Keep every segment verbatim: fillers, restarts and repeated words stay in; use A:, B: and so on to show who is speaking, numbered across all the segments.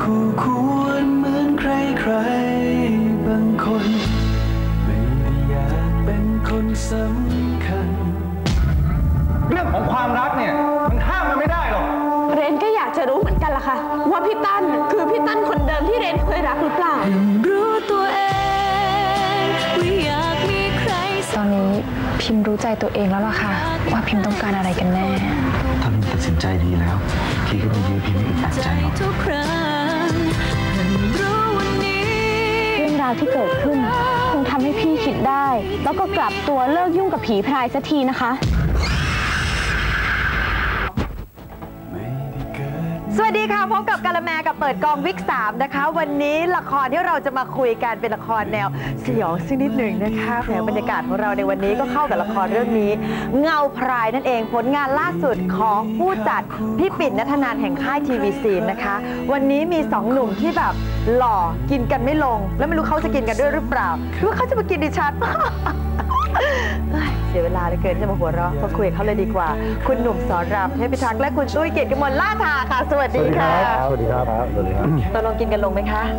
A: คู่ควรเหมือนใครใครบางคนไม่ได้อยากเป็นคนสำคัญ
B: เรื่องของความรักเนี่ยมันห้ามมันไม่ได้หรอก
C: เรนก็อยากจะรู้เหมือนกันล่ะค่ะว่าพี่ตั้นคือพี่ตั้นคนเดิมที่เรนเคยรักหรือเปล่ารู้ตัวเองว่าอยากมีใคร
D: ตอนนี้พิมพ์รู้ใจตัวเองแล้วล่ะค่ะว่าพิมพ์ต้องการอะไรกันแน่
A: ถ้าพิมตัดสินใจดีแล้วพี่ก็ไม่ยื้อพิมไม่อึดอัดใจหรอก
D: เรื่องราวที่เกิดขึ้นคงทำให้พี่คิดได้แล้วก็กลับตัวเลิกยุ่งกับผีพรายสักทีนะคะ
E: สวัสดีค่ะพบกับกาละแมกับเปิดกองวิกสามนะคะวันนี้ละครที่เราจะมาคุยกันเป็นละครแนวสยองสักนิดหนึ่งนะคะแหมบรรยากาศของเราในวันนี้ก็เข้ากับละครเรื่องนี้เงาพรายนั่นเองผลงานล่าสุดของผู้จัดพี่ปิ่นณัฐนันท์แห่งค่ายทีวีซีนนะคะวันนี้มีสองหนุ่มที่แบบหล่อกินกันไม่ลงแล้วไม่รู้เขาจะกินกันด้วยหรือเปล่าหรือว่าเขาจะมากินดิฉันเสียเวลาเหลือเกินจะมาหัวเราะมาคุยกับเขาเลยดีกว่าคุณหนุ่มสอนรามเทพิทักษ์และคุณตุ้ยเกียรติกมลล่าทาค่ะสวัสดีค่ะ
B: สวัสดีครับสวัสดีครับ
E: ตกลงกินกันลงไหมคะ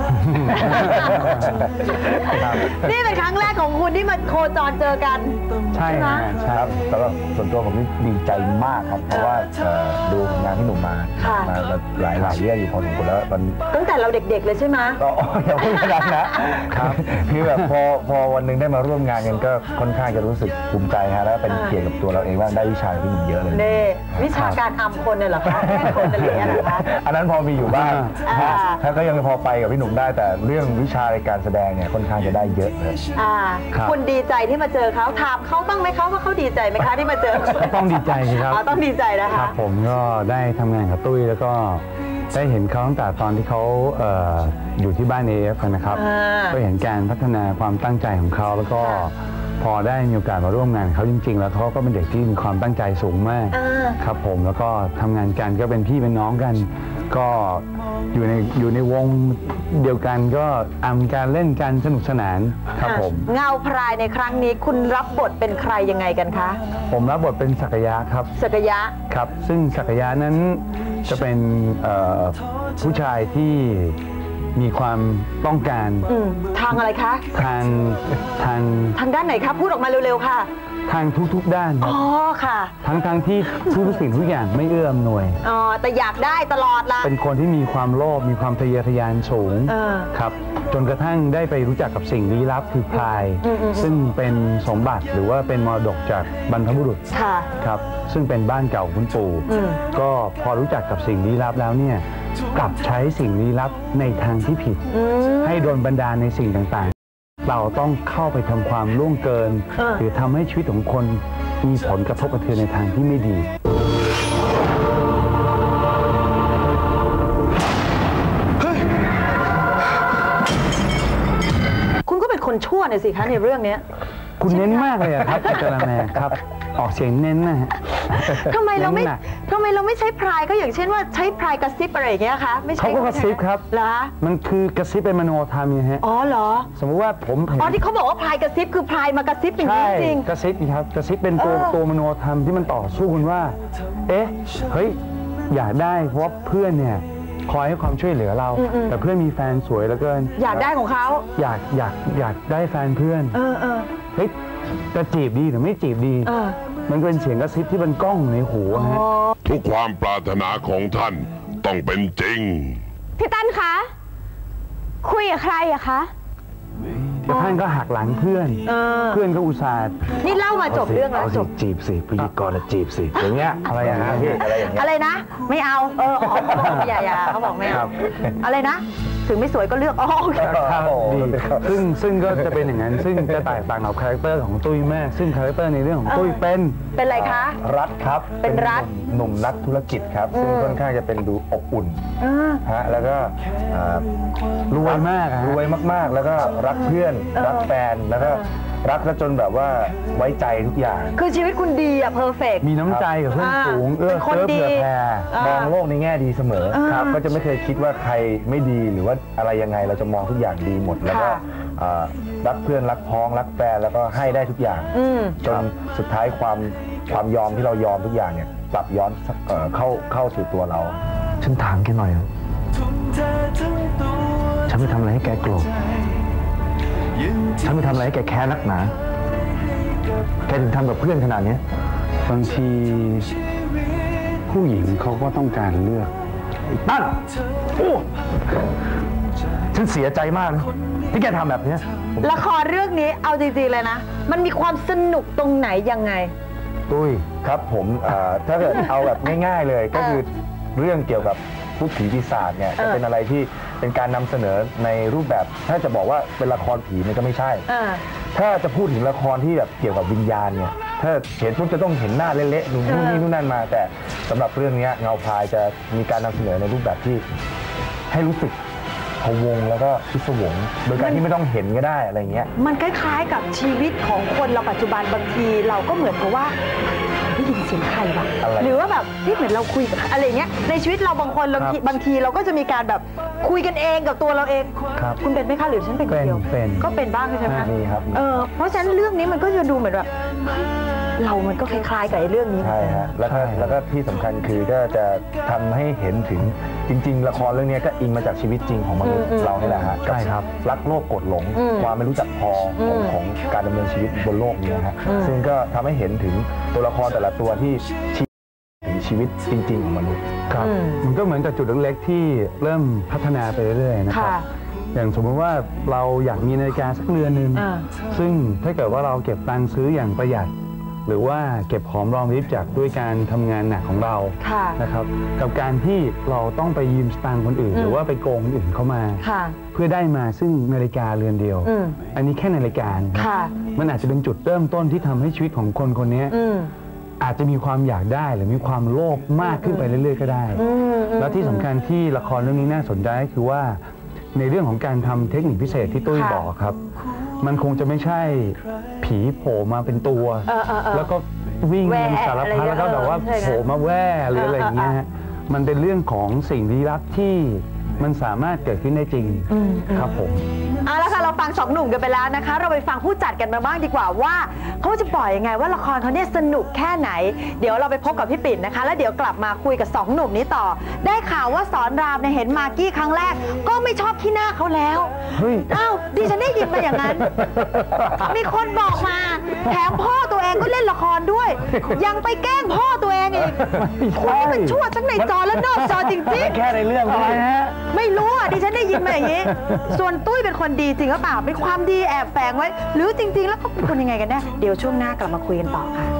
E: นี่เป็นครั้งแรกของคุณที่มาโคจรเจอกัน
B: ใช่ไหมใช่ครับสำหรับส่วนตัวผมนี่ดีใจมากครับเพราะว่าดูงานที่หนุ่มมามาหลายหลายเรื่องอยู่พอสมควรแล้วมัน
E: ตั้งแต่เราเด็กๆเลยใช่ไหม
B: ก็ยังไม่ขนาดนะครับคือแบบพอพอวันหนึ่งได้มาร่วมงานกันก็ค่อนข้างจะรู้สึกภูมิใจฮะแล้วเป็นเกียรติกับตัวเราเองว่าได้วิชาที่มันเยอะเลย
E: เน่วิชาการทำคนเนี่ยเหรอคะแค่คนอะไรอย่างเงี้ยเหรอคะ
B: อันนั้นพอมีอยู่บ้างถ้าก็ยังพอไปกับพี่หนุ่มได้แต่เรื่องวิชาในการแสดงเนี่ยค่อนข้างจะได้เยอะเลย
E: คุณดีใจที่มาเจอเขาถามเขาบ้างไหมเขาว่าเขาดีใจไหมคะที่มาเจอ
B: ต้องดีใจครับ
E: ต้องดีใจนะคะ
B: ครับผมก็ได้ทำงานกับตุ้ยแล้วก็ได้เห็นเขาตั้งแต่ตอนที่เขาอยู่ที่บ้าน เอ เอฟ นะครับก็เห็นการพัฒนาความตั้งใจของเขาแล้วก็พอได้มีโอกาสมาร่วมงานเขาจริงๆแล้วเขาก็เป็นเด็กที่มีความตั้งใจสูงมากครับผมแล้วก็ทำงานกันก็เป็นพี่เป็นน้องกันก็อยู่ในอยู่ในวงเดียวกันก็อำการเล่นกันสนุกสนานครับผม
E: เงาพรายในครั้งนี้คุณรับบทเป็นใครยังไงกันคะ
B: ผมรับบทเป็นศักยะครับ
E: ศักยะ
B: ครับซึ่งศักยะนั้นจะเป็นผู้ชายที่มีความต้องการ
E: ทางอะไรคะ
B: ทางทาง
E: ทางด้านไหนครับพูดออกมาเร็วๆค่ะ
B: ทางทุกๆด้าน
E: อ๋อค่ะ
B: ทั้งทั้งที่ทุกสิ่งทุกอย่างไม่เอื้ออำนวย
E: อ๋อแต่อยากได้ตลอดละ
B: เป็นคนที่มีความโลภมีความทะเยอทะยานสูงครับจนกระทั่งได้ไปรู้จักกับสิ่งลี้ลับคือพรายซึ่งเป็นสมบัติหรือว่าเป็นมรดกจากบรรพบุรุษครับซึ่งเป็นบ้านเก่าคุณปู่ก็พอรู้จักกับสิ่งลี้ลับแล้วเนี่ยกลับใช้สิ่งลี้ลับในทางที่ผิดให้โดนบันดาลในสิ่งต่างๆเราต้องเข้าไปทำความล่วงเกินหรือทำให้ชีวิตของคนมีผลกระทบกระเทือนในทางที่ไม่ดี
E: คุณก็เป็นคนชั่วเนี่ยสิคะในเรื่องนี้
B: คุณเน้นมากเลยครับอาจารย์แม่ครับออกเสียงเน้นนะฮะ
E: ทำไมเราไม่ทำไมเราไม่ใช้พรายก็อย่างเช่นว่าใช้พรายกระซิบอะไรอย่างเงี้ยคะไม่ใช่
B: เขาก็กระซิบครับ
E: เหรอ
B: มันคือกระซิบเป็นมโนธรรมไงฮะ
E: อ๋อเหรอ
B: สมมติว่าผม
E: อ๋อที่เขาบอกว่าพรายกระซิบคือพรายมากระซิบอย่างนี้จริง
B: กระซิบครับกระซิบเป็นตัวตัวมโนธรรมที่มันต่อสู้กันว่าเอ๊ะเฮ้ยอยากได้เพราะเพื่อนเนี่ยคอยให้ความช่วยเหลือเราแต่เพื่อนมีแฟนสวยแล้วเกิน
E: อยากได้ของเขา
B: อยากอยากอยากได้แฟนเพื่อน
E: เออเออ
B: เฮ้ยจะจีบดีหรือไม่จีบดีมันเป็นเสียงกระซิบที่มันก้องในหูฮะ
F: ทุกความปรารถนาของท่านต้องเป็นจริง
D: พี่ตั้นคะคุยกับใครอะคะ
B: แต่ท่านก็หักหลังเพื่อนเพื่อนก็อุตส่าห์
E: นี่เล่ามาจบเรื่องแล้วจบ
B: จีบสิพิธีกรจีบสิอย่างเงี้ยอะไรอย่างเงี้ยพี่อะไรอย่างเงี้ย
E: อะไรนะไม่เอาเออเขาบอกอย่าอย่าเขาบอกไม่เอาอะไรนะถึงไม่สวยก็เลือกอ๋อ
B: ดีซึ่งซึ่งก็จะเป็นอย่างนั้นซึ่งจะแตกต่างกับคาแรคเตอร์ของตุ้ยแม่ซึ่งคาแรคเตอร์ในเรื่องของตุ้ยเป็น
E: เป็นอะไรคะ
B: รัฐครับ
E: เป็นรัฐ
B: หนุ่มนักธุรกิจครับซึ่งค่อนข้างจะเป็นดูอบอุ่นฮะแล้วก็รวยมากรวยมากๆแล้วก็รักเพื่อนรักแฟนแล้วก็รักจนแบบว่าไว้ใจทุกอย่าง
E: คือชีวิตคุณดีอะเพอร์เฟกต์
B: มีน้ำใจกับเพื่อนฝูงเอื้อเฟื้อเผื่อแผ่มองโลกในแง่ดีเสมอครับก็จะไม่เคยคิดว่าใครไม่ดีหรือว่าอะไรยังไงเราจะมองทุกอย่างดีหมดแล้วก็รักเพื่อนรักพ้องรักแฟนแล้วก็ให้ได้ทุกอย่างจนสุดท้ายความความยอมที่เรายอมทุกอย่างเนี่ยกลับย้อนเข้าเข้าสู่ตัวเราฉันถามแค่หน่อยฉันไม่ทำอะไรให้แกโกรธฉันไม่ทำอะไรให้แกแค้นนักหนาแกถึงทำกับเพื่อนขนาดนี้บางทีผู้หญิงเขาก็ต้องการเลือกตั้นโอ้ฉันเสียใจมากนะที่แกทำแบบนี้
E: ละครเรื่องนี้เอาจริงๆเลยนะมันมีความสนุกตรงไหนยังไง
B: ตุ้ยครับผมถ้าเกิดเอาแบบง่ายๆเลยก็คือเรื่องเกี่ยวกับพูดผีปีศาจเนี่ยจะเป็นอะไรที่เป็นการนำเสนอในรูปแบบถ้าจะบอกว่าเป็นละครผีมันก็ไม่ใช่ถ้าจะพูดถึงละครที่แบบเกี่ยวกับวิญญาณเนี่ยถ้าเห็นปุ๊บจะต้องเห็นหน้าเละๆนู่นนี่นู่นนั่นมาแต่สำหรับเรื่องนี้เงาพรายจะมีการนำเสนอในรูปแบบที่ให้รู้สึกพะวงแล้วก็พิศวงโดยการที่ไม่ต้องเห็นก็ได้อะไรเงี้ย
E: มันคล้ายๆกับชีวิตของคนเราปัจจุบันบางทีเราก็เหมือนกับว่าได้ยินเสียงใครวะหรือว่าแบบที่เหมือนเราคุยกับอะไรเงี้ยในชีวิตเราบางคนเราบางทีเราก็จะมีการแบบคุยกันเองกับตัวเราเองคุณเป็นไหมคะหรือฉันเป็นคนเดียวก็เป็นบ้างใช่ไหม
B: ครับ
E: เออเพราะฉะนั้นเรื่องนี้มันก็จะดูเหมือนแบบเรามันก็คล้ายๆกับไอ้เรื่องนี้
B: ใช่ฮะแล้วก็แล้วก็ที่สำคัญคือก็จะทำให้เห็นถึงจริงๆละครเรื่องนี้ก็อิงมาจากชีวิตจริงของมนุษย์เรานี่แหละฮะใช่ครับรักโลภโกรธหลงความไม่รู้จักพอของของการดำเนินชีวิตบนโลกนี้ฮะซึ่งก็ทำให้เห็นถึงตัวละครแต่ละตัวที่ถึงชีวิตจริงๆของมนุษย์ครับมันก็เหมือนกับจุดเล็กๆที่เริ่มพัฒนาไปเรื่อยๆนะครับอย่างสมมติว่าเราอยากมีนาฬิกาสักเรือนหนึ่งซึ่งถ้าเกิดว่าเราเก็บตังค์ซื้ออย่างประหยัดหรือว่าเก็บหอมรอมริบจากด้วยการทำงานหนักของเรานะครับกับการที่เราต้องไปยืมสตางค์คนอื่นหรือว่าไปโกงคนอื่นเข้ามาเพื่อได้มาซึ่งนาฬิกาเรือนเดียวอันนี้แค่นาฬิกามันอาจจะเป็นจุดเริ่มต้นที่ทำให้ชีวิตของคนคนนี้อาจจะมีความอยากได้หรือมีความโลภมากขึ้นไปเรื่อยๆก็ได้แล้วที่สำคัญที่ละครเรื่องนี้น่าสนใจก็คือว่าในเรื่องของการทำเทคนิคพิเศษที่ตุ้ยบอกครับมันคงจะไม่ใช่ผีโผล่มาเป็นตัวแล้วก็วิ่งเป็นสารพัดแล้วก็แบบว่าโผล่มาแว่หรืออะไรอย่างเงี้ยมันเป็นเรื่องของสิ่งลี้ลับที่มันสามารถเกิดขึ้นได้จริงครับผม
E: เอาละค่ะเราฟังสองหนุ่มกันไปแล้วนะคะเราไปฟังผู้จัดกันมาบ้างดีกว่าว่าเขาจะปล่อยยังไงว่าละครเขาเนี่ยสนุกแค่ไหนเดี๋ยวเราไปพบกับพี่ปิ่นนะคะแล้วเดี๋ยวกลับมาคุยกับสองหนุ่มนี้ต่อได้ข่าวว่าสอนรามเนี่ยเห็นมากกี้ครั้งแรกก็ไม่ชอบขี้หน้าเขาแล้วอ้าวดิฉันได้ยินมาอย่างนั้นมีคนบอกมาแถมพ่อตัวเองก็เล่นละครด้วยยังไปแกล้งพ่อตัวเองอีกคุณนี่มันชั่วทั้งในจอและนอกจอจริงๆ
B: แค่ในเรื่องอะไรฮะ
E: ไม่รู้อ่ะดิฉันได้ยินมาอย่างนี้ส่วนตุ้ยเป็นคนดีจริงหรือเปล่าเป็นความดีแอบแฝงไว้หรือจริงๆแล้วเขาเป็นคนยังไงกันแน่เดี๋ยวช่วงหน้ากลับมาคุยกันต่อค่ะ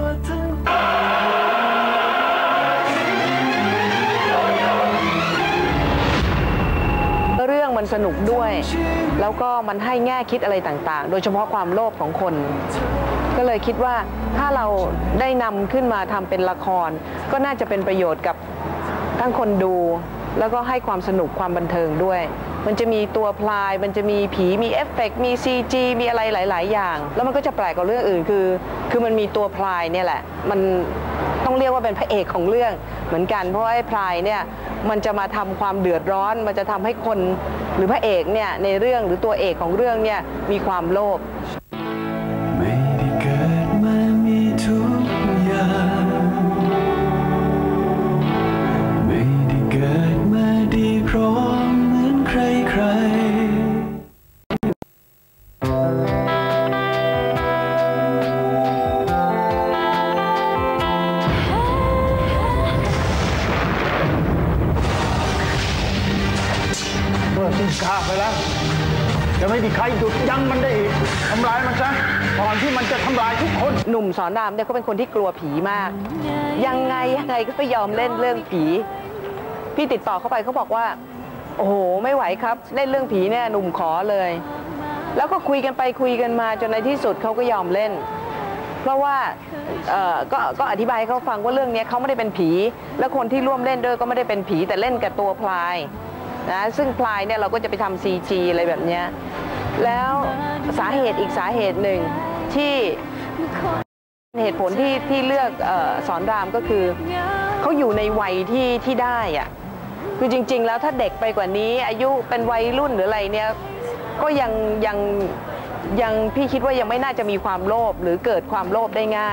G: เรื่องมันสนุกด้วยแล้วก็มันให้แง่คิดอะไรต่างๆโดยเฉพาะความโลภของคนก็เลยคิดว่าถ้าเราได้นำขึ้นมาทำเป็นละครก็น่าจะเป็นประโยชน์กับทั้งคนดูแล้วก็ให้ความสนุกความบันเทิงด้วยมันจะมีตัวพลายมันจะมีผีมีเอฟเฟกต์มี ซี จี มีอะไรหลายๆอย่างแล้วมันก็จะแปลกกว่าเรื่องอื่นคือคือมันมีตัวพลายเนี่ยแหละมันต้องเรียกว่าเป็นพระเอกของเรื่องเหมือนกันเพราะว่าไอ้พลายเนี่ยมันจะมาทำความเดือดร้อนมันจะทำให้คนหรือพระเอกเนี่ยในเรื่องหรือตัวเอกของเรื่องเนี่ยมีความโลภ
A: ไม่ได้เกิดมามีทุกอย่างไม่ได้เกิดมาดีพร้อมเหมือนใครใคร
B: ฆ่าไปแล้วจะไม่มีใครหยุดยั้งมันได้อีกทำลายมันซะก่อนที่มันจะทำลายทุกคน
G: หนุ่มสอนรามเนี่ยเขาเป็นคนที่กลัวผีมากยังไงยังไงก็ไม่ยอมเล่นเรื่องผีพี่ติดต่อเข้าไปเขาบอกว่าโอ้โหไม่ไหวครับเล่นเรื่องผีเนี่ยหนุ่มขอเลยแล้วก็คุยกันไปคุยกันมาจนในที่สุดเขาก็ยอมเล่นเพราะว่าเอ่อก็ก็อธิบายให้เขาฟังว่าเรื่องนี้เขาไม่ได้เป็นผีและคนที่ร่วมเล่นด้วยก็ไม่ได้เป็นผีแต่เล่นกับตัวพลายนะซึ่งพลายเนี่ยเราก็จะไปทำ ซี จี อะไรแบบนี้แล้วสาเหตุอีกสาเหตุหนึ่งที่เหตุผลที่ที่เลือกเอ่อสอนรามก็คือเขาอยู่ในวัยที่ที่ได้อะคือจริงๆแล้วถ้าเด็กไปกว่านี้อายุเป็นวัยรุ่นหรืออะไรเนี่ยก็ยังยังยังพี่คิดว่ายังไม่น่าจะมีความโลภหรือเกิดความโลภได้ง่าย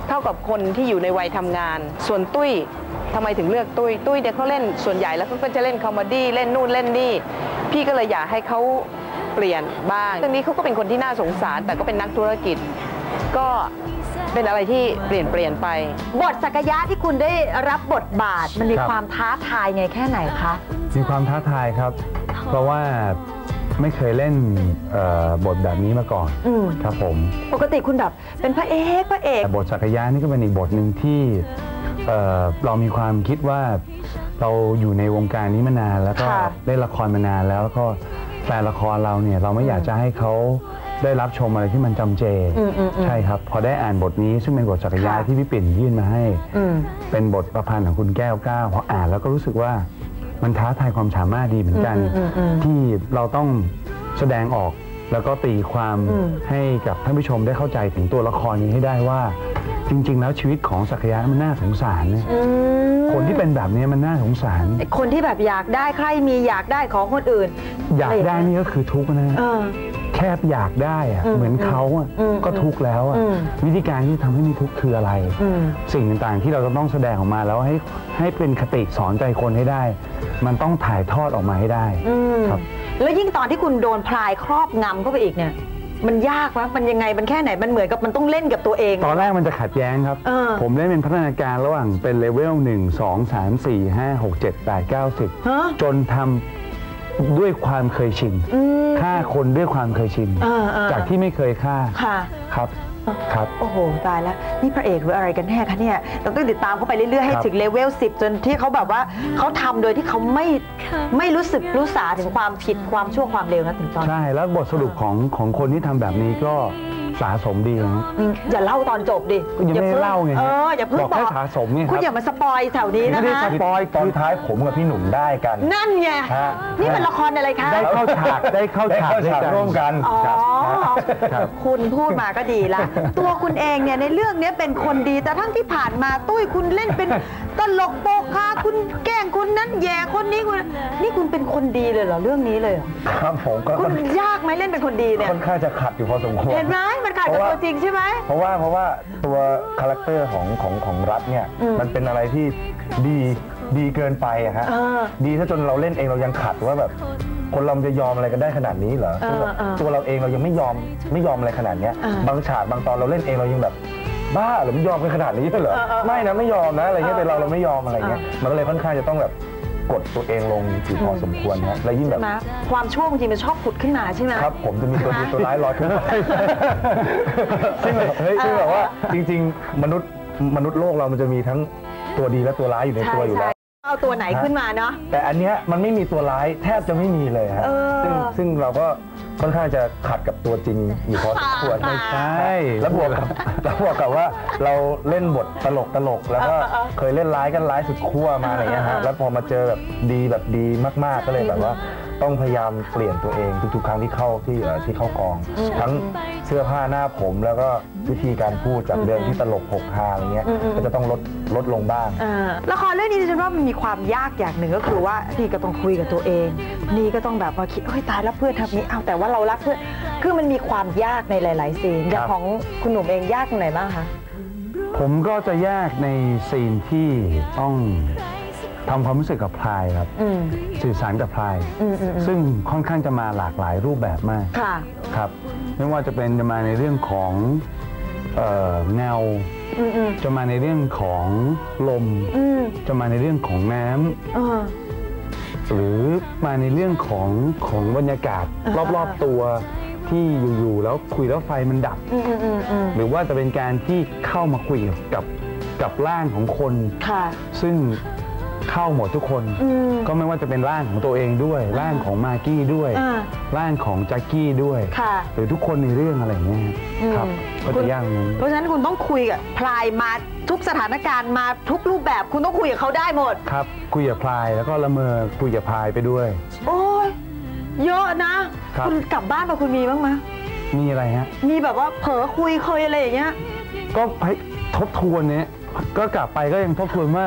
G: เท่ากับคนที่อยู่ในวัยทำงานส่วนตุ้ยทำไมถึงเลือกตุ้ยตุ้ยเนี่ยเขาเล่นส่วนใหญ่แล้วเขาก็จะเล่นคอมเมดี้เล่นนู่นเล่นนี่พี่ก็เลยอยากให้เขาเปลี่ยนบ้างเรื่องนี้เขาก็เป็นคนที่น่าสงสารแต่ก็เป็นนักธุรกิจก็เป็นอะไรที่เปลี่ยนเปลี่ยนไป
E: บทสักยะที่คุณได้รับบทบาทมันมีความท้าทายไงแค่ไหนคะ
B: มีความท้าทายครับเพราะว่าไม่เคยเล่นบทแบบนี้มาก่อนครับผม
E: ปกติคุณแบบเป็นพระเอกพระเอก
B: แต่บทสักยะนี่ก็เป็นอีกบทหนึ่งที่เอ่อเรามีความคิดว่าเราอยู่ในวงการนี้มานานแล้วก็เล่นละครมานานแล้วแล้วก็แฟนละครเราเนี่ยเราไม่อยากจะให้เขาได้รับชมอะไรที่มันจำเจใช่ครับพอได้อ่านบทนี้ซึ่งเป็นบทสักยะที่พี่ปิ่นยื่นมาให้เป็นบทประพันธ์ของคุณแก้วก้าวพออ่านแล้วก็รู้สึกว่ามันท้าทายความสามารถดีเหมือนกันที่เราต้องแสดงออกแล้วก็ตีความให้กับท่านผู้ชมได้เข้าใจถึงตัวละครนี้ให้ได้ว่าจริงๆแล้วชีวิตของสักยะมันน่าสงสารเนี่ยคนที่เป็นแบบนี้มันน่าสงสาร
E: คนที่แบบอยากได้ใครมีอยากได้ของคนอื่น
B: อยากได้นี่ก็คือทุกข์นะแค่อยากได้อะเหมือนเขาก็ทุกข์แล้ววิธีการที่ทำให้มีทุกข์คืออะไรสิ่งต่างๆที่เราจะต้องแสดงออกมาแล้วให้ให้เป็นคติสอนใจคนให้ได้มันต้องถ่ายทอดออกมาให้ได้ครับ
E: แล้วยิ่งตอนที่คุณโดนพลายครอบงำเข้าไปอีกเนี่ยมันยากวะมันยังไงมันแค่ไหนมันเหมือนกับมันต้องเล่นกับตัวเอง
B: ตอนแรกมันจะขัดแย้งครับผมเล่นเป็นพัฒนาการระหว่างเป็นเลเวลหนึ่งสองสามสี่ห้าหกเจ็ดแปดเก้าสิบจนทำด้วยความเคยชินฆ่าคนด้วยความเคยชินจากที่ไม่เคยฆ่าครับครับ
E: โอ้โหตายแล้วนี่พระเอกหรืออะไรกันแน่คะเนี่ยเราต้องติดตามเขาไปเรื่อยๆให้ถึงเลเวลสิบจนที่เขาแบบว่าเขาทำโดยที่เขาไม่ไม่รู้สึกรู้สาถึงความผิดความชั่วความเลวนะถึงตอน
B: ใช่แล้วบทสรุปของของคนที่ทำแบบนี้ก็สะสมดีนะ
E: อย่าเล่าตอนจบดิ
B: อย่าไม่เล่าไง
E: เอออย่าเพิ่งบอก
B: สะสมเนี่ย
E: คุณอย่ามาสปอยแถวนี้นะ
B: ไม่ได้สปอยตอนท้ายผมกับพี่หนุ่มได้กัน
E: นั่นไงนี่เป็นละครอะไรคะ
B: ได้เข้าฉากได้เข้าฉากร่วมกัน
E: อ๋อคุณพูดมาก็ดีละตัวคุณเองเนี่ยในเรื่องนี้เป็นคนดีแต่ทั้งที่ผ่านมาตุ้ยคุณเล่นเป็นตลกโปกฮาคุณแกล้งคนนั้นแย่คนนี้คุณนี่คุณเป็นคนดีเลยเหรอเรื่องนี้เลย
B: ครับผมก็
E: คุณยากไหมเล่นเป็นคนดีเนี่ย
B: ค่อนข้างจะขัดอยู่พอสมควร
E: เห็นไหมมันขัดกับตัวจริงใช่ไหม
B: เพราะว่าเพราะว่าตัวคาแรคเตอร์ของของของรัฐเนี่ยมันเป็นอะไรที่ดีดีเกินไปอะฮะดีถ้าจนเราเล่นเองเรายังขัดว่าแบบคนเราจะยอมอะไรกันได้ขนาดนี้เหรอตัวเราเองเรายังไม่ยอมไม่ยอมอะไรขนาดนี้บางฉากบางตอนเราเล่นเองเรายังแบบบ้าหรือไม่ยอมกันขนาดนี้เหรอไม่นะไม่ยอมนะอะไรเงี้ยแต่เราเราไม่ยอมอะไรเงี้ยมันก็เลยค่อนข้างจะต้องแบบกดตัวเองลงอยู่พอสมควรนะและยิ่งแบบ
E: ความชั่วบางทีมันชอบผุดขึ้นมาใช่ไหม
B: ครับผมจะมีตัวดีตัวร้ายลอยขึ้นมาซึ่งแบบเฮ้ยซึ่งแบบว่าจริงๆมนุษย์มนุษย์โลกเรามันจะมีทั้งตัวดีและตัวร้ายอยู่ในตัวอยู่แล้ว
E: เอาตัวไหนขึ้นมาเนาะ
B: แต่อันเนี้ยมันไม่มีตัวร้ายแทบจะไม่มีเลยฮะซึ่งซึ่งเราก็ค่อนข้างจะขัดกับตัวจริงอยู่พอสมควร
E: ไม่
B: ใช่แล้วบวกกับแล้วบวกกับว่าเราเล่นบทตลกตลกแล้วก็เคยเล่นร้ายกันร้ายสุดขั้วมาอะไรเงี้ยฮะแล้วพอมาเจอแบบดีแบบดีมากๆก็เลยแบบว่าต้องพยายามเปลี่ยนตัวเองทุกๆครั้งที่เข้าที่ที่เข้ากองทั้งเสื้อผ้าหน้าผมแล้วก็วิธีการพูดจากเดิมที่ตลกหกฮาอะไรเงี้ยก็จะต้องลดลดลงบ้าง
E: ละครเรื่องนี้ดิฉันว่ามันมีความยากอย่างหนึ่งก็คือว่านี่ก็ต้องคุยกับตัวเองนี่ก็ต้องแบบว่าคิดเฮ้ยตายแล้วเพื่อนทำนี้เอาแต่ว่าเรารักเพื่อนคือมันมีความยากในหลายๆซีนอย่างของคุณหนุ่มเองยากตรงไหนบ้างคะ
B: ผมก็จะยากในซีนที่ต้องทำความรู้สึกกับพลายครับสื่อสารกับพลายซึ่งค่อนข้างจะมาหลากหลายรูปแบบมากครับไม่ว่าจะเป็นจะมาในเรื่องของเงาจะมาในเรื่องของลมจะมาในเรื่องของน้ำหรือมาในเรื่องของของบรรยากาศรอบๆตัวที่อยู่ๆแล้วคุยแล้วไฟมันดับหรือว่าจะเป็นการที่เข้ามาคุยกับกับร่างของคนซึ่งเข้าหมดทุกคนก็ไม่ว่าจะเป็นร่างของตัวเองด้วยร่างของมากกี้ด้วยร่างของแจ็คกี้ด้วยหรือทุกคนในเรื่องอะไรอย่างเงี้ยครับก็จะยากนั้น
E: เพราะฉะนั้นคุณต้องคุยกับพลายมาทุกสถานการณ์มาทุกรูปแบบคุณต้องคุยกับเขาได้หมด
B: ครับคุยกับพลายแล้วก็ละเมอคุยกับพลายไปด้วย
E: โอ้ยเยอะนะคุณกลับบ้านมาคุณมีบ้างไหม
B: มีอะไรฮะ
E: มีแบบว่าเผลอคุยเคยอะไรอย่างเงี้ย
B: ก็ทบทวนเนี้ยก็กลับไปก็ยังทบทวนว่า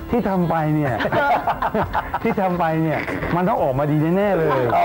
B: ที่ทำไปเนี่ยที่ทำไปเนี่ยมันต้องออกมาดีแน่ๆเลยอ๋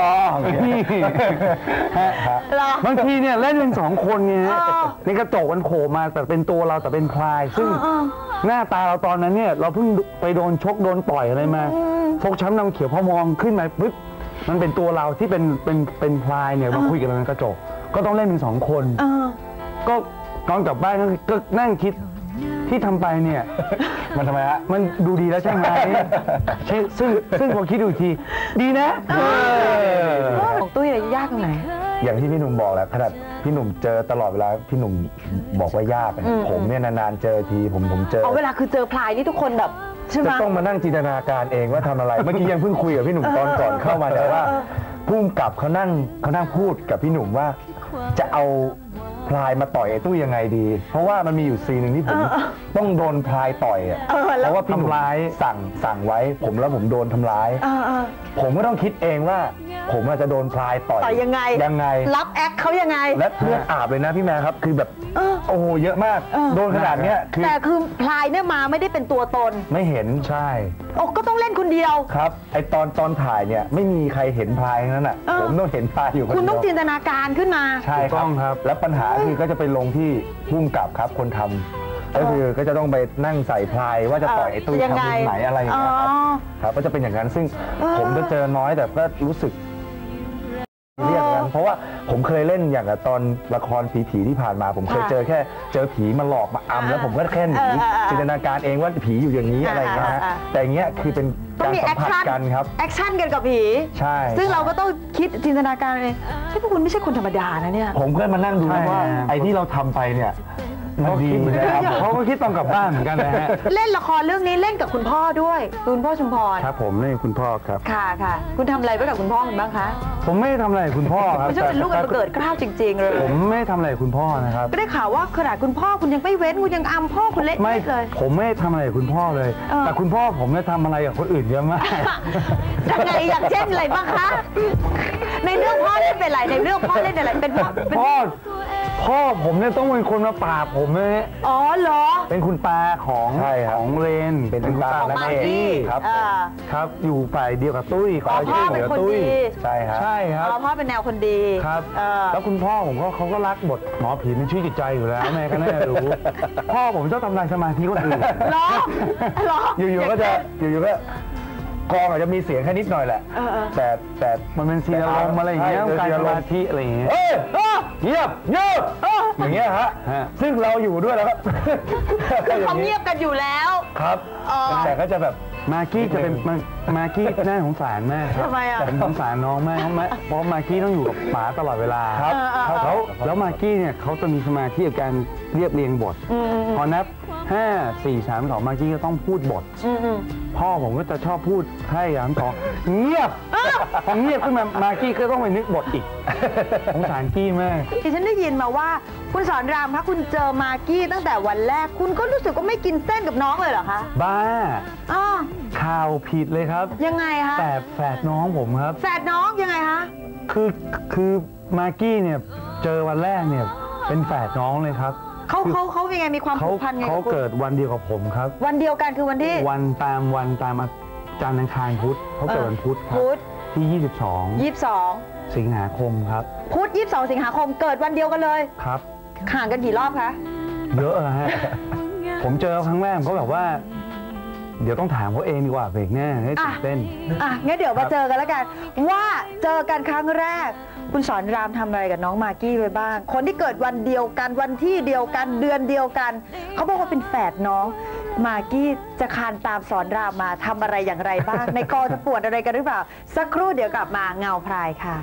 B: อบางทีเนี่ยเล่นเป็นสองคนไงในกระจกมันโผล่มาแต่เป็นตัวเราแต่เป็นพลายซึ่งหน้าตาเราตอนนั้นเนี่ยเราเพิ่งไปโดนชกโดนต่อยอะไรมาฟกช้ำน้ำเขียวพอมองขึ้นมาปึ๊บมันเป็นตัวเราที่เป็นเป็นเป็นพลายเนี่ยมาคุยกันในกระจกก็ต้องเล่นเป็นสองคนก็ก่อนกลับบ้านก็นั่งคิดที่ทำไปเนี่ยมันทำไมฮะมันดูดีแล้วใช่ไหมใช่ซึ่งซึ่งพอคิดดูทีดีนะ
E: ของตุ้ยอะไรยากตรงไหน
H: อย่างที่พี่หนุ่มบอกแหละขนาดพี่หนุ่มเจอตลอดเวลาพี่หนุ่มบอกว่ายากผมเนี่ยนานๆเจอทีผมผมเจอ
E: เอาเวลาคือเจอพลายนี่ทุกคนแบบ
H: จะต้องมานั่งจินตนาการเองว่าทำอะไรเมื่อกี้ยังเพิ่งคุยกับพี่หนุ่มตอนก่อนเข้ามาแต่ว่าพุ่งกลับเขานั่งเขานั่งพูดกับพี่หนุ่มว่าจะเอาพลายมาต่อยไอ้ตู้ยังไงดีเพราะว่ามันมีอยู่ซีนหนึ่งที่ผมต้องโดนพลายต่อยอ่ะเพราะว่าพี่หนุ่มสั่งสั่งไว้ผมแล้วผมโดนทำร้ายผมก็ต้องคิดเองว่าผมอาจจะโดนพลายต่อย
E: ยังไง
H: ยังไง
E: รับแอคเขายังไง
H: และเลือดอาบเลยนะพี่แม่ครับคือแบบโอ้โหเยอะมากโดนขนาดเนี้ย
E: แต่คือพลายเนี่ยมาไม่ได้เป็นตัวตน
H: ไม่เห็นใช่
E: โอ้ก็ต้องเล่นคนเดียว
H: ครับไอตอนตอนถ่ายเนี่ยไม่มีใครเห็นพลายนั้นอ่ะผมต้องเห็นพลายอยู่
E: คุณต้องจินตนาการขึ้นมา
H: ใช่ครับแล้วปัญหาคือก็จะไปลงที่พุ่งกับครับคนทำก็คือก็จะต้องไปนั่งใส่พลายว่าจะต่อยไอ้ตู้ทำมุมไหนอะไรอย่างเงี้ยครับครับก็จะเป็นอย่างนั้นซึ่งผมก็เจอน้อยแต่ก็รู้สึกเรียกกันเพราะว่าผมเคยเล่นอย่างกับตอนละครผีๆที่ผ่านมาผมเคยเจอแค่เจอผีมาหลอกมาอำแล้วผมก็แค่หนีจินตนาการเองว่าผีอยู่อย่างนี้อะไรอย่างเงี้ยแต่อย่างเงี้ยคือเป็นการสัมผัสกันครับ
E: แอคชั่นกันกับผี
H: ใช่
E: ซึ่งเราก็ต้องคิดจินตนาการเองที่พวกคุณไม่ใช่คนธรรมดานะเนี่ย
H: ผมก็มานั่งดูว่าไอ้ที่เราทำไปเนี่ย
B: เขาคิดเหมือนกันเขาก็คิดตอนกลับบ้านเหมือนกันนะฮะ
E: เล่นละครเรื่องนี้เล่นกับคุณพ่อด้วยคุณพ่อชุมพร
B: ครับผมเล่นคุณพ่อครับ
E: ค่ะค่ะคุณทำอะไรไว้กับคุณพ่อคุณบ้างคะ
B: ผมไม่ทำอะไรคุณพ่อครับ
E: คุณจะเป็นลูกอันเกิดกล้าวจริงๆเลย
B: ผมไม่ทำอะไรคุณพ่อนะครับ
E: ก็ได้ข่าวว่าขนาดคุณพ่อคุณยังไม่เว้นคุณยังอำพ่อคุณเละ
B: ไม่
E: เลย
B: ผมไม่ทำอะไรคุณพ่อเลยแต่คุณพ่อผมเนี่ยทำอะไรกับคนอื่นเยอะมาก
E: ยังไงอย่างเช่นอะไรบ้างคะในเรื่องพ่อเล่นเป็นอะไรในเรื่องพ่อเล่นอะไรเป็นพ่อ
B: พ่อพ่อผมเนี่ยต้องเป็นคนมาปราบผมเลย
E: อ๋อเหรอ
B: เป็นคุณตาของของเรน
H: เป็นคุณตา
E: ของมากกี้
B: ครับครับอยู่ฝ่ายเดียวกับตุ้ย
E: ขอช่วยเหลือตุ้ย
H: ใช่ครับ
B: ใช่ครับ
E: พ่อเป็นแนวคนดี
B: ครับแล้วคุณพ่อผมก็เขาก็รักบทหมอผีเป็นชื่อจิตใจอยู่แล้วแม่ก็น่าจะรู้พ่อผมชอบทำลายสมาธิคนอื่น
E: เหรอเหรอ
H: อยู่ๆก็จะอยู่ๆก็กองอาจจะมีเสียงแค่นิดหน่อยแหละแต่แต่
B: มันเป็นซีนอารมณ์อะไรอย่างเงี้ยการสมาธิอะไรอย่างเงี้ย
H: เอ้ยเงียบเงียบอย่างเงี้ยฮะซึ่งเราอยู่ด้วยแล้ว
E: เขาเงียบกันอยู่แล้ว
H: ครับแต่ก็จะแบบ
B: มากี้จะเป็นมากี้น่าสงสารมากครับ
E: ทำไมอ่ะ
B: ผมสงสารน้องมากเพราะมากี้ต้องอยู่กับป๋าตลอดเวลาครับแล้วแล้วมากี้เนี่ยเขาจะมีสมาธิกับการเรียบเรียงบทพอนับห้าสี่สามสองมากี้ก็ต้องพูดบทพ่อผมก็จะชอบพูดให้ยามสองเงียบพอเงียบขึ้นมามากี้ก็ต้องไปนึกบทอีกสงสารกี้มาก
E: ที่ฉันได้ยินมาว่าคุณสอนรามคะคุณเจอมากี้ตั้งแต่วันแรกคุณก็รู้สึกว่าไม่กินเส้นกับน้องเลยเหรอคะ
B: บ้าข่าวผิดเลยครับ
E: ยังไงคะ
B: แต่แฝดน้องผมครับ
E: แฝดน้องยังไงคะ
B: คือคือมากี้เนี่ยเจอวันแรกเนี่ยเป็นแฝดน้องเลยครับ
E: เขาเขาเขายังไงมีความผูกพันไง
B: เขาเกิดวันเดียวกับผมครับ
E: วันเดียวกันคือวันที่
B: วันตามวันตามจันทร์อังคารพุธเขาเกิดวันพุธครับที่ยี่สิบสอง
E: ยี่สิบสอง
B: สิงหาคมครับ
E: พุธยี่สิบสองสิงหาคมเกิดวันเดียวกันเลย
B: ครับ
E: ห่างกันกี่รอบคะ
B: เยอะนะฮะผมเจอครั้งแรกเขาแบบว่าเดี๋ยวต้องถามเขาเองดีกว่าเบรกแน่ให้ตื่นเต้น
E: อ่ะงั้นเดี๋ยวมาเจอกันแล้วกันว่าเจอกันครั้งแรกคุณสอนรามทำอะไรกับน้องมากกี้ไปบ้างคนที่เกิดวันเดียวกันวันที่เดียวกันเดือนเดียวกันเขาบอกว่าเป็นแฝดน้องมากกี้จะคานตามสอนรามมาทำอะไรอย่างไรบ้างในกองจะปวดอะไรกันหรือเปล่าสักครู่เดี๋ยวกลับมาเงาพรายค่ะ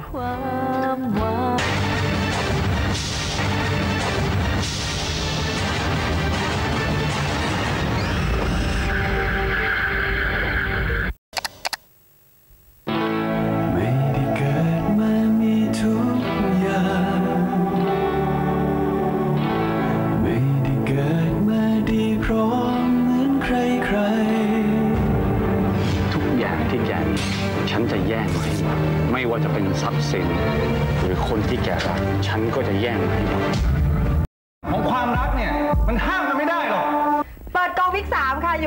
I: ฉันจะแย่งมาให้หมดไม่ว่าจะเป็นทรัพย์สินหรือคนที่แกรักฉันก็จะแย่งมาให้หมด
B: ของความรักเนี่ยมันห้ามกันไม่ได้หรอก
E: เปิดกองวิกสามค่ะอยู่กับละคร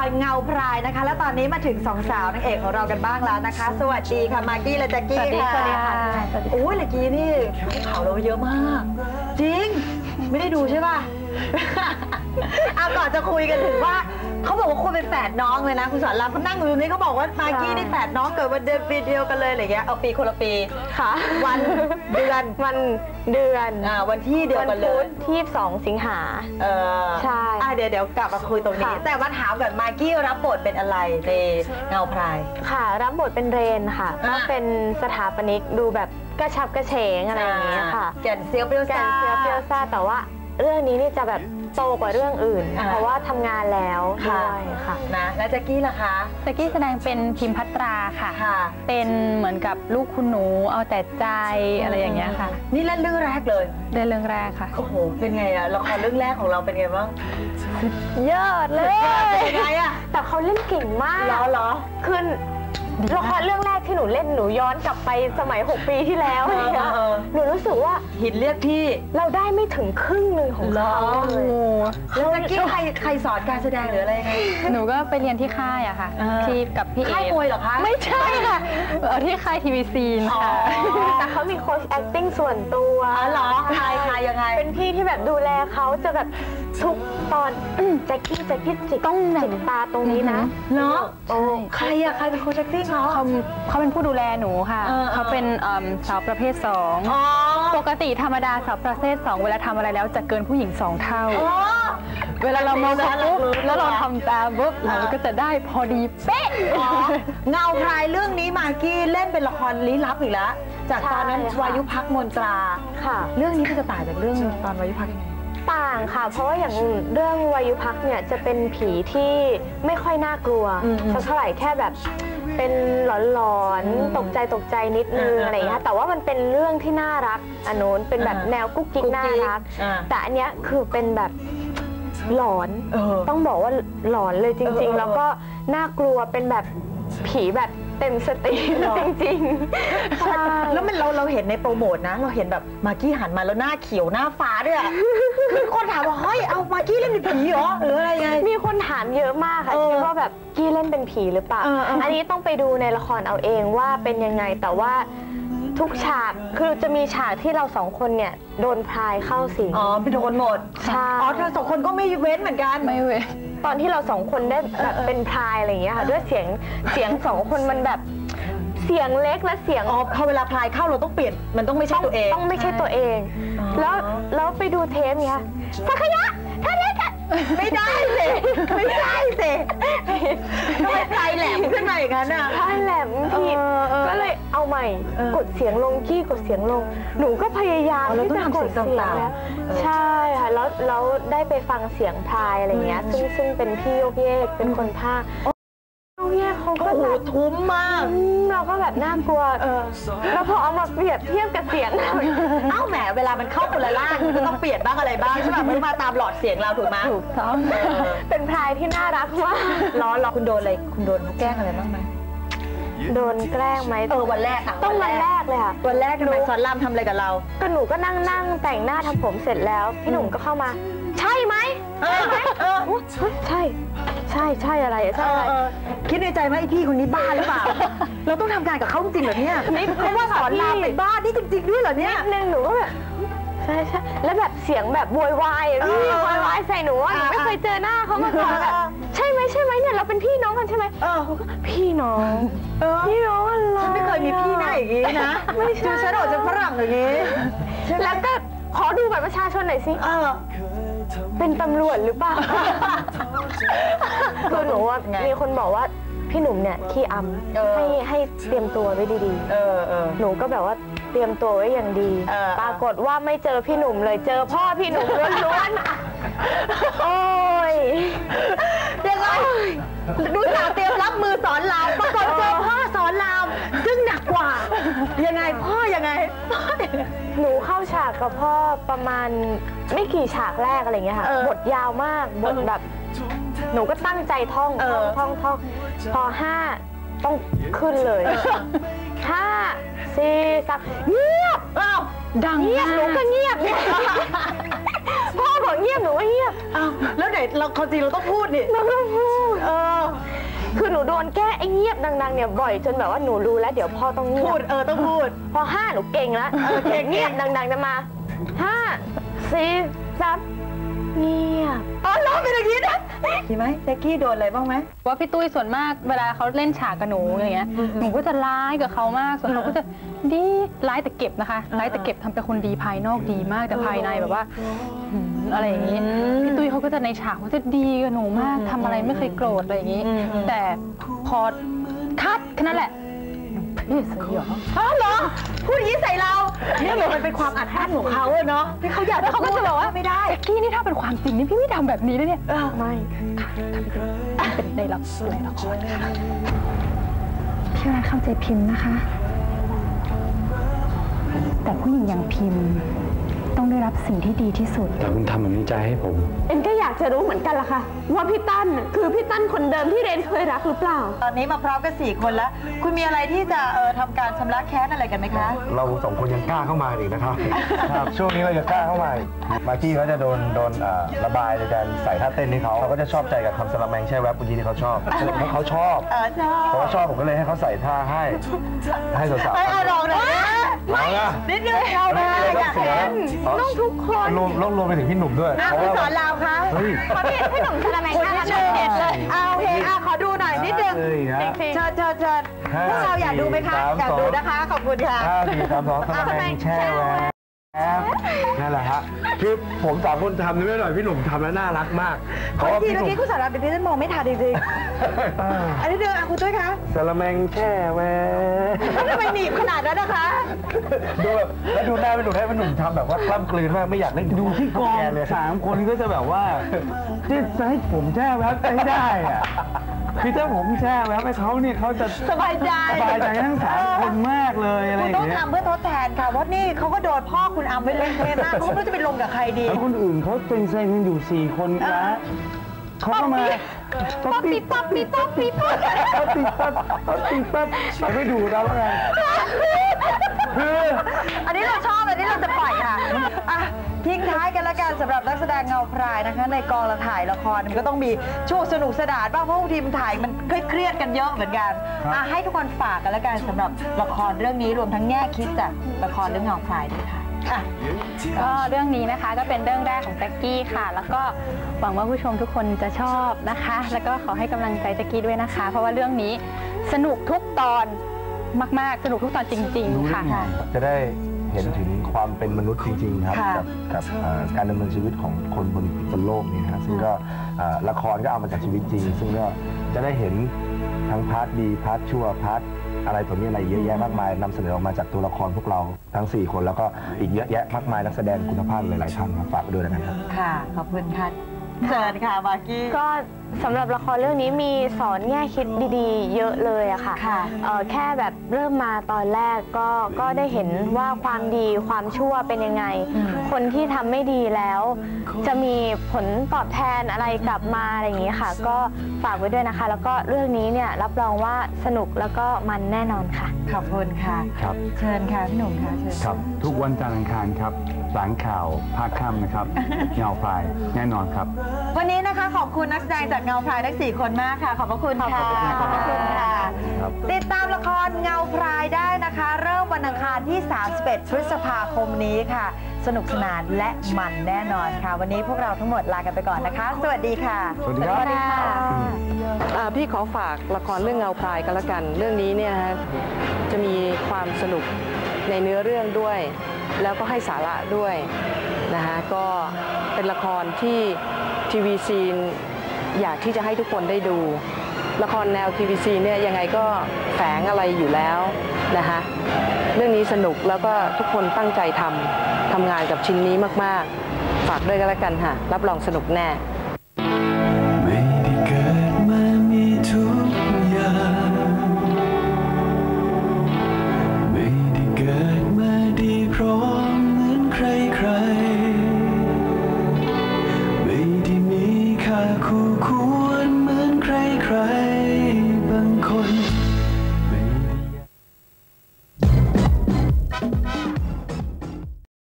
E: รเงาพรายนะคะ และตอนนี้มาถึงสองสาวนางเอกของเรากันบ้างแล้วนะคะสวัสดีค่ะมากกี้และแจ็คกี้ค่ะสวัสดีค่ะโอ้ยเมื่อกี้นี่ข่าวเราเยอะมากจริงไม่ได้ดูใช่ป่ะ เอาก่อนจะคุยกันถึงว่าเขาบอกว่าคนเป็นแฝดน้องเลยนะคุณสอนรามเขานั่งอยู่ตรงนี้เขาบอกว่ามากกี้นี่แฝดน้องเกิดวันเดือนปีเดียวกันเลยอะไรเงี้ยเอาปีคนละปีค่ะวันเดือน
D: วันเดือน
E: อ่าวันที่เดียวกันเลย
D: ที่ยี่สิบสองสิงหา
E: เออ
D: ใช่
E: อ่ะเดี๋ยวเดี๋ยวกลับมาคุยตรงนี้แต่ว่าถามก่อนมากกี้รับบทเป็นอะไรในเงาพราย
D: ค่ะรับบทเป็นเรนค่ะก็เป็นสถาปนิกดูแบบกระฉับกระเฉงอะไรอย่างเงี้ยค่ะ
E: แก่นเซียวเปรี้ยวซ่า
D: แก่นเซียวเปรี้ยวซ่าแต่ว่าเรื่องนี้นี่จะแบบโตกว่าเรื่องอื่นเพราะว่าทำงานแล้วด้วยค่ะ
E: นะแล้วแจ็คกี้ล่ะคะ
J: แจ็คกี้แสดงเป็นพิมพัตราค่ะเป็นเหมือนกับลูกคุณหนูเอาแต่ใจอะไรอย่างเงี้ยค่ะ
E: นี่เล่นเรื่องแรกเลย
J: เล่นเรื่องแรกค่ะ
E: โอ้โหเป็นไงอะละครเรื่องแรกของเราเป็นไงบ้าง
D: ยอดเลย
E: เป็นไงอะ
D: แต่เขาเล่นเก่งมาก
E: เหรอเหรอ
D: คือละครเรื่องแรกที่หนูเล่นหนูย้อนกลับไปสมัยหกปีที่แล้วเนี่ยหนูรู้สึกว่า
E: หินเรียกพี่
D: เราได้ไม่ถึงครึ่งหนึ่งของเขาเลย
E: แล้วเมื่อกี้ใครใครสอนการแสดงหรืออะไรยังไง
J: หนูก็ไปเรียนที่ค่ายอะค่ะที่กับพี่เอ๋
E: ค่ายมวยเหรอคะ
J: ไม่ใช่ค่ะที่ค่ายทีวีซีนค่ะ
D: แต่เขามีโค้ช acting ส่วนตัว
E: เหรอใครใครยังไง
D: เป็นพี่ที่แบบดูแลเขาจะแบบทุกตอนแจ็คกี้แจ็คกี้จิกต้องจิกตาตรงนี้นะ
E: เนาะใครอะใครเป็นโค้ช acting เขา
J: เขาเขาเป็นผู้ดูแลหนูค่ะเขาเป็นสาวประเภทสองปกติธรรมดาสาวประเภทสองเวลาทำอะไรแล้วจะเกินผู้หญิงสองเท่าเวลาเรามองเขาปุ๊บแล้วเราทำตามปุ๊บเราก็จะได้พอดีเป๊ะ
E: เงาพรายเรื่องนี้มากกี้เล่นเป็นละครลี้ลับอีกแล้วจากตอนนั้นวายุพักมนตรา
D: ค่ะ
E: เรื่องนี้จะต่างจากเรื่องตอนวายุพักยังไง
D: ต่างค่ะเพราะว่าอย่างเรื่องวายุพักเนี่ยจะเป็นผีที่ไม่ค่อยน่ากลัวสักเท่าไหร่แค่แบบเป็นหลอนๆตกใจตกใจนิดนึงอะไรอย่างเงี้ยแต่ว่ามันเป็นเรื่องที่น่ารักอันโน้นเป็นแบบแนวกุ๊กกิ๊กน่ารักแต่อันเนี้ยคือเป็นแบบหลอนต้องบอกว่าหลอนเลยจริงๆแล้วก็น่ากลัวเป็นแบบผีแบบเต็มสติจริงๆใช่
E: แล้วมันเราเราเห็นในโปรโมทนะเราเห็นแบบมากกี้หันมาแล้วหน้าเขียวหน้าฟ้าด้วยคือคนถามว่าเฮ้ยเอามากกี้เล่นเป็นผีเหรอหรืออะไรไง
D: มีคนถามเยอะมากค่ะคิดว่าแบบกี้เล่นเป็นผีหรือเปล่าอันนี้ต้องไปดูในละครเอาเองว่าเป็นยังไงแต่ว่าทุกฉากคือจะมีฉากที่เราสองคนเนี่ยโดนพรายเข้าสิง
E: อ๋อไปโดนหมด
D: ใช่
E: อ๋อเธอสองคนก็ไม่เว้นเหมือนกัน
J: ไม่เว้น
D: ตอนที่เราสองคนได้แบบเป็นพรายอะไรอย่างเงี้ยค่ะด้วยเสียงเสียงสองคนมันแบบเสียงเล็กและเสียง
E: อ๋อพอเวลาพรายเข้าเราต้องเปลี่ยนมันต้องไม่ใช่ตัวเอง
D: ต้องไม่ใช่ตัวเองแล้วแล้วไปดูเทปเนี่ยสักขยะท่านนี้กัน
E: ไม่ได้สิไม่ได้สิทำไมพรายแหลมขึ้นมาอย่างนั้นอ่ะ
D: พรายแหลมผิดก็เลยเอาใหม่กดเสียงลงกี้กดเสียงลงหนูก็พยายามที่จะกดเสียงแล้วใช่ค่ะแล้วแล้วได้ไปฟังเสียงพรายอะไรเงี้ยซึ่งซึ่งเป็นพี่โยกเยกเป็นคนภาคเนี่ยเขาก็แบบ
E: ทุ้มมาก
D: เราก็แบบน่ากลัวแล้วพอเอามาเปรียบเทียบกับเสียง
E: เอ้าแหมเวลามันเข้าคนละล่างมันก็ต้องเปลี่ยนบ้างอะไรบ้างใช่ไหมไม่มาตามหลอดเสียงเราถูกไหม
D: ถูกต้องเป็นพรายที่น่ารักมาก
E: ล้อล้อคุณโดนอะไรคุณโดนเขาแกล้งอะไรบ้างไหม
D: โดนแกล้งไหม
E: เออวันแรกอะ
D: ต้องวันแรกเลยค่ะ
E: วันแรกทำไมสอนรามทำอะไรกับเรา
D: ก็หนูก็นั่งนั่งแต่งหน้าทำผมเสร็จแล้วพี่หนุ่มก็เข้ามาใช่ไหมใช่ไหมใช่ใช่ใช่อะไรใช่อะไร
E: คิดในใจไหมไอพี่คนนี้บ้าหรือเปล่าเราต้องทำงานกับเขาจริงเหรอเนี่ยเพราะว่าสอนรามเป็นบ้านี่จริงๆด้วยเหรอเนี่ย
D: นิดนึงหนูก็แบบใช่ใช่แล้วแบบเสียงแบบโวยวายพี่โวยวายใส่หนูว่าหนูไม่เคยเจอหน้าเขามาก่อนแบบใช่ไหมใช่ไหมเนี่ยเราเป็นพี่น้องกันใช่ไหมเออพี่น้องพี่น้องอะไร
E: ฉันไม่เคยมีพี่หน้าอย่างนี้นะไม่ใช่ฉันออกจากฝรั่งอย่างนี้
D: แล้วก็ขอดูบัตรประชาชนหน่อยสิเออเป็นตำรวจหรือเปล่าคือหนูว่ามีคนบอกว่าพี่หนุ่มเนี่ยขี้อำให้ให้เตรียมตัวไว้ดีๆหนูก็แบบว่าเตรียมตัวไว้อย่างดีปรากฏว่าไม่เจอพี่หนุ่มเลยเจอพ่อพี่หนุ่มล้วนๆโอ้ย
E: ยังไงดูสาวเตรียมรับมือสอนรามปรากฏเจอพ่อสอนรามซึ่งหนักกว่ายังไงพ่อยังไง
D: หนูเข้าฉากกับพ่อประมาณไม่กี่ฉากแรกอะไรเงี้ยค่ะบทยาวมากบทแบบหนูก็ตั้งใจท่องท่องท่องท่องพอห้าต้องขึ้นเลยห้าสี่สามเงียบอ้าวดังเงียบหนูก็เงียบเนี่ยพ่อบอกเงียบหนูว่าเงียบ
E: อ้าวแล้วไหนเราความจริงเราต้องพูดนี่
D: เราต้องพูด
E: เออ
D: คือหนูโดนแก้ไอ้เงียบดังๆเนี่ยบ่อยจนแบบว่าหนูรู้แล้วเดี๋ยวพ่อต้องเงียบ
E: พูดเออต้องพูด
D: พอห้าหนูเก่งแล้วเออเก่งเงียบดังๆจะมาห้าสี่สามเงียบ
E: อ๋อร้องเป็นอย่างนี้นะมีไหมแจ็คกี้โดนอะไรบ้างไหม
J: ว่าพี่ตุ้ยส่วนมากเวลาเขาเล่นฉากกับหนูอย่างเงี้ยหนูก็จะร้ายกับเขามากส่วนเขาก็จะดีร้ายแต่เก็บนะคะร้ายแต่เก็บทำเป็นคนดีภายนอกดีมากแต่ภายในแบบว่าอะไรอย่างนี้พี่ตุ้ยเขาก็จะในฉากเขาจะดีกับหนูมากทำอะไรไม่เคยโกรธอะไรอย่างนี้แต่พอคัดแค่นั้นแหละพี่สยอง
E: อ๋อเหรอพูดอย่างนี้ใส่เราเนี่ยมันเป็นความอัดอั้นของเขาเนาะที่เขาอยาก
J: แล้วเขาก็จะบอกว่าไม่ได้แจ็คกี้นี่ถ้าเป็นความจริงนี่พี่ไม่ทำแบบนี้นะเนี่ย
E: ไม่
J: ค่ะเป็นในละครในละครพี่รักเข้าใจพิมพ์นะคะแต่ผู้หญิงอย่างพิมพ์ต้องได้รับสิ่งที่ดีที่สุด
I: แต่คุณทำแบบนี้ใจให้ผม
C: เอ็นก็อยากจะรู้เหมือนกันล่ะค่ะว่าพี่ตั้นคือพี่ตั้นคนเดิมที่เรนเคยรักหรือเปล่า
E: ตอนนี้มาพร้อมกันสี่คนแล้วคุณมีอะไรที่จะเออทำการชำระแค้นอะไรกันไหมคะ
H: เราสองคนยังกล้าเข้ามาอีกนะครับครับช่วงนี้เราจะกล้าเข้ามามาร์กี้เขาจะโดนโดนระบายในการใส่ท่าเต้นให้เขาเขาก็จะชอบใจกับคำสลัมแมงแช่แวบเมื่อกี้ที่เขาชอบเพราะเขาชอบเพราะเขาชอบผมก็เลยให้เขาใส่ท่าให้ให้สาวๆ
E: ให้ลองหน่อย
H: ไม่
E: นิดนึงเอาไปอยากเห็น
D: น้องทุกคน
H: รวมรวมไปถึงพี่หนุ่มด้วย
E: เพราะว่าสอนเราค่ะ
D: ขอพี่พี่หนุ่มสลัมแมงท่านิดนึง
E: เอาโอเคอ่ะขอดูหน่อยนิดนึงเชิญเชิญเชิญพวกเราอยากดูไหมคะอยากดูนะคะขอบคุณค่ะ
H: ห้าสี่สามสองสลัมแมงแช่แวบนั่นแหละฮะคือผมสามคนทำนี่ไม่หน่อยพี่หนุ่มทำแล้วน่ารักมาก
E: เพราะว่าพี่หนุ่มที่คุณสารเป็นที่ฉันมองไม่ทันจริงๆอันนี้เดินอ่ะคุณตุ้ยคะ
H: สลัมแมงแช่แวบ
E: ทำไมหนีบขนาดนั้นนะคะ
H: ดูแบบแล้วดูหน้าพี่หนุ่มให้พี่หนุ่มทำแบบว่ากล้ำกลืนมากไม่อยากเล่น
B: ดูที่กองเลยสามคนก็จะแบบว่าจะให้ผมแช่แวบไม่ได้อะคือถ้าผมแช่แวบให้เขาเนี่ยเขาจะ
E: สบายใจ
B: สบายใจทั้งสามคนมากเลยอะไรอย่างเงี้ย
E: คุณต้องทำเพื่อทดแทนค่ะเพราะนี่เขาก็โดนพ่อคุณอัมไปเล่นเทมากเขาไม่รู้จะไปลงกับใครดี
B: แล้วคนอื่นเขาเป็นเซนกันอยู่สี่คนนะเขาก็มา
E: ป๊อปปี้ป๊อปปี้ป๊อปปี้ป๊อปปี้
B: ป๊อปปี้ป๊อปป๊อปปี้ป๊อปไปไม่ดูแล้วไง
E: คืออันนี้เราชอบอันนี้เราจะปล่อยค่ะทิ้งท้ายกันละกันสำหรับนักแสดงเงาพรายนะคะในกองละถ่ายละครมันก็ต้องมีช่วงสนุกสนานบ้างเพราะบางทีมันถ่ายมันเครียดกันเยอะเหมือนกันให้ทุกคนฝากกันละกันสำหรับละครเรื่องนี้รวมทั้งแง่คิดจากละครเรื่องเงาพรายด้วยค่ะ
J: ก็เรื่องนี้นะคะก็เป็นเรื่องแรกของแจ็คกี้ค่ะแล้วก็หวังว่าผู้ชมทุกคนจะชอบนะคะแล้วก็ขอให้กำลังใจแจ็คกี้ด้วยนะคะเพราะว่าเรื่องนี้สนุกทุกตอนมากๆสนุกทุกตอนจริงๆค่ะ
H: จะได้เห็นถึงความเป็นมนุษย์จริงๆครับกับกับการดำเนินชีวิตของคนบนบนโลกนี้นะซึ่งก็ละครก็เอามาจากชีวิตจริงซึ่งก็จะได้เห็นทั้งพาร์ทดีพาร์ทชั่วพาร์ทอะไรตัวนี้อะไรเยอะแยะมากมายนำเสนอออกมาจากตัวละครพวกเราทั้งสี่คนแล้วก็อีกเยอะแยะมากมายนักแสดงคุณภาพหลายๆท่านครับฝากไปด้วยนะครับ
E: ค่ะขอบคุณค่ะเชิญค่ะมากกี้
D: ก็สำหรับละครเรื่องนี้มีสอนแง่คิดดีๆเยอะเลยอะค่ะแค่แบบเริ่มมาตอนแรกก็ก็ได้เห็นว่าความดีความชั่วเป็นยังไงคนที่ทำไม่ดีแล้วจะมีผลตอบแทนอะไรกลับมาอะไรอย่างนี้ค่ะก็ฝากไว้ด้วยนะคะแล้วก็เรื่องนี้เนี่ยรับรองว่าสนุกแล้วก็มันแน่นอนค่ะ
E: ขอบคุณค่ะ
B: ครับ
E: เชิญค่ะพี่หนุ่มค่ะเชิญ
B: ครับทุกวันจันทร์อังคารครับหลังข่าวภาคค่ำนะครับเงาพรายแน่นอนครับ
E: วันนี้นะคะขอบคุณนักแสดงจากเงาพรายทั้งสี่คนมากค่ะขอบพระคุณค่ะขอบพระคุณค่ะติดตามละครเงาพรายได้นะคะเริ่มวันอังคารที่สามสิบเอ็ดพฤษภาคมนี้ค่ะสนุกสนานและมันแน่นอนค่ะวันนี้พวกเราทั้งหมดลากันไปก่อนนะคะสวัสดีค่ะ
B: สวัสดีครับ
G: พี่ขอฝากละครเรื่องเงาพรายกันละกันเรื่องนี้เนี่ยนะจะมีความสนุกในเนื้อเรื่องด้วยแล้วก็ให้สาระด้วยนะคะก็เป็นละครที่ทีวีซีนอยากที่จะให้ทุกคนได้ดูละครแนวทีวีซีเนี่ยยังไงก็แฝงอะไรอยู่แล้วนะคะเรื่องนี้สนุกแล้วก็ทุกคนตั้งใจทำทำงานกับชิ้นนี้มากๆฝากด้วยกันละกันค่ะรับรองสนุกแน่
A: ไม่ได้เกิดมามีทุกอย่างไม่ได้เกิดมาดีพร้อมเหมือนใครใครไม่ได้มีค่าคู่ควร